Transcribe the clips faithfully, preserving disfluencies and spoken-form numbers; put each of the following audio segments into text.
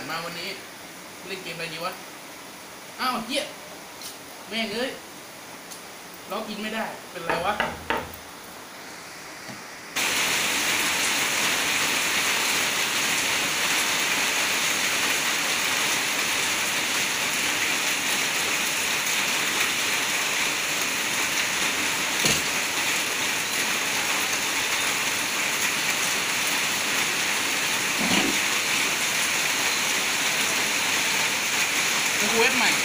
มาวันนี้เล่นเกมอะไรดีวะอ้าวเหี้ยแม่งเอ้ยล็อกอินไม่ได้เป็นไรวะเว็บใหม่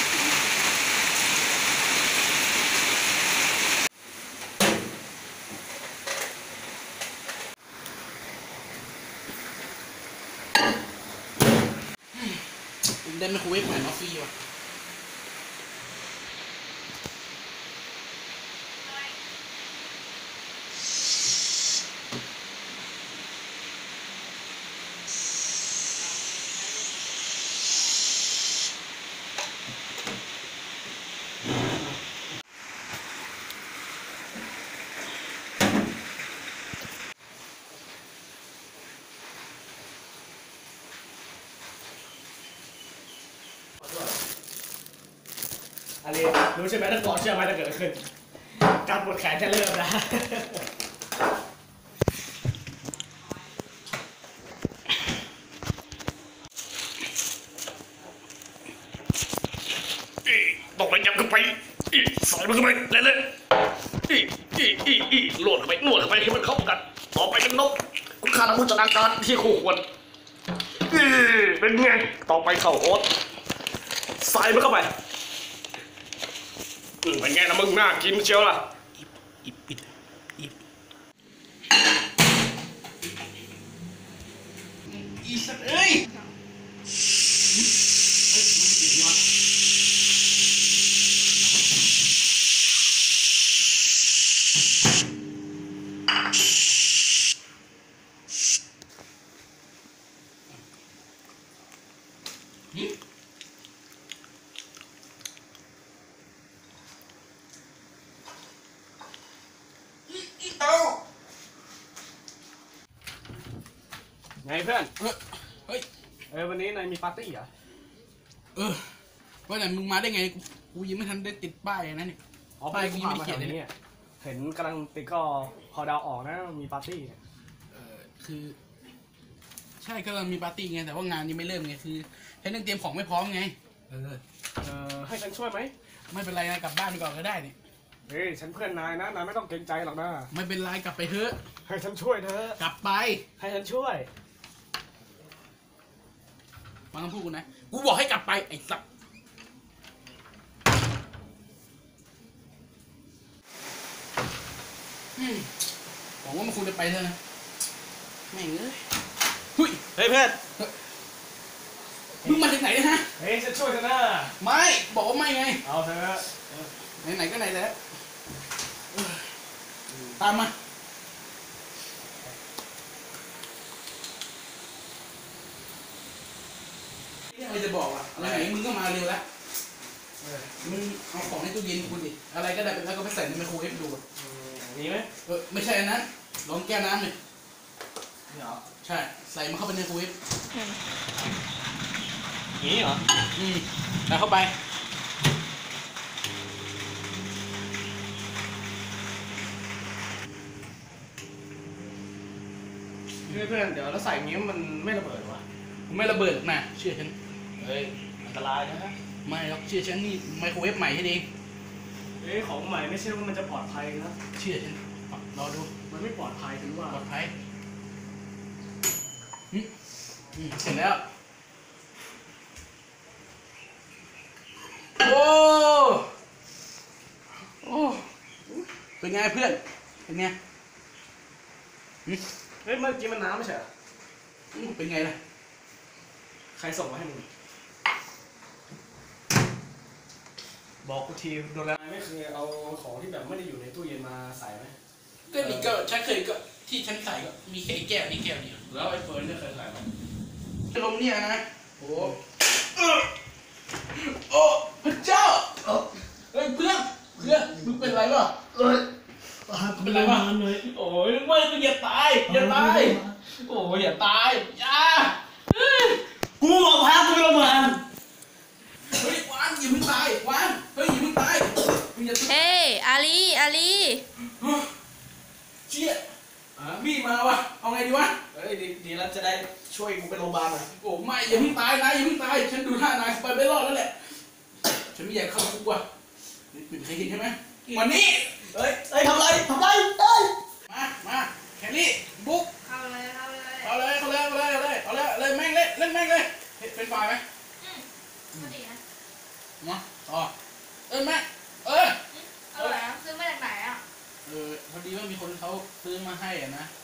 ได้ไมโครเวฟใหม่มาฟรีวะอะไรรู้ใช่ไหมถ้าก่อนเชื่อไหมถ้าเกิดขึ้นการปวดแขนจะเริ่มนะตกไปยับขึ้นไปใส่มันขึ้นไปเลยเลยอีอีอีอีโหลดเข้าไปนวดเข้าไปให้มันเข้ากันต่อไปเป็นนกคุณค่าทางโภชนาการที่คู่ควรเป็นไงต่อไปเข้าโอ๊ตใส่มันเข้าไปเป็นไงนะมึงน่ากินเชียวล่ะอิบอิบอิบอีสัตว์เอ้ยไงเพื่อนเฮ้ยเออวันนี้นายมีปาร์ตี้เหรอเออว่าแต่มึงมาได้ไงกูยังไม่ทันได้ติดป้ายนะนี่อ๋อป้ายกูยังไม่เขียนเลยเนี่ยเห็นกำลังติดก็พอดาวออกนะมีปาร์ตี้เออคือใช่ก็เรามีปาร์ตี้ไงแต่ว่างานยังไม่เริ่มไงคือใช้เรื่องเตรียมของไม่พร้อมไงเออเออให้ฉันช่วยไหมไม่เป็นไรนะกลับบ้านไปก่อนก็ได้นี่เฮ้ยฉันเพื่อนนายนะนายไม่ต้องเกรงใจหรอกนะไม่เป็นไรกลับไปเถอะให้ฉันช่วยเถอะกลับไปให้ฉันช่วยฟังคำพูดกูนะกูบอกให้กลับไปไอ้สัตว์หวังว่ามันคงจะไปเถอะนะแม่งเอ้ยเฮ้ยเฮ้ยเพื่อนมึงมาจากไหนนะฮะเฮ้ยฉันช่วยเธอนะไม่บอกว่าไม่ไงเอาเถอะไหนๆก็ไหนแล้วตามมาไม่จะบอกอ่ะอะไรไหนมึงก็มาเร็วแล้วมึงเอาของในตู้เย็นคุณดิอะไรก็ได้แล้วก็ไปใส่ในไมโครเวฟดูนี่ไหมเออไม่ใช่อันนั้นลองแก้วน้ำเลยนี่เหรอใช่ใส่มาเข้าไปในไมโครเวฟนี่เหรออืมใส่เข้าไปเพื่อนเดี๋ยวเราใส่อย่างนี้มันไม่ระเบิดวะไม่ระเบิดนะเชื่อฉันเฮ้ยอันตรายนะไม่หรอกเชื่อฉันนี่ไมโครเวฟใหม่ให้เองเอ้ยของใหม่ไม่ใช่ว่ามันจะปลอดภัยนะเชื่อฉันรอดูมันไม่ปลอดภัยถือว่าปลอดภัยอืมอืมเสร็จแล้วโอ้โอ้เป็นไงเพื่อนเป็นไงเฮ้ยเมื่อกี้มันน้ำไม่ใช่เหรอเป็นไงล่ะใครส่งมาให้มึงบอกกูทีโดนแล้วไม่เคยเอาของที่แบบไม่ได้อยู่ในตู้เย็นมาใส่ไหมก็นี่ก็ฉันเคยก็ที่ฉันใส่ก็มีแค่แก้วนี่แก้วเดียวแล้วไอ้เฟิร์นเนี่ยเคยใส่ไหมลมเนี่ยนะโอ้โอ้พระเจ้าเฮ้ยเพื่อนเพื่อนมึงเป็นไรวะเอ้ยเป็นไรวะโอ้ยไม่มึงอย่าตายอย่าตายโอ้ยอย่าตายอย่ากูบอกอาลีเชี่ยอ่าบี้มาวะเอาไงดีวะเฮ้ยดีดีแล้วจะได้ช่วยกูไปโรงพยาบาลหน่อยโอ้ไม่อย่าเพิ่งตายนายอย่าเพิ่งตายฉันดูท่านายไปไม่รอดแล้วแหละฉันไม่อยากเข้าคุกว่ะนี่เป็นใครเห็นใช่ไหมวันนี้เฮ้ยเฮ้ยทำไรทำไรเฮ้ยมามาแคลรี่บุ๊กเข้าเลยเข้าเลยเอาเลยเอาเลยเอาเลยเอาเลยเอาเลยเลยแม่งเลยเล่นแม่งเลยเป็นฝ่ายไหมอืมก็ดีนะมาต่อเอ้ยแม่เอออร่อยนะซื้อมาจากไหนอ่ะเออพอดีว่ามีคนเขาซื้อมาให้อ่ะนะ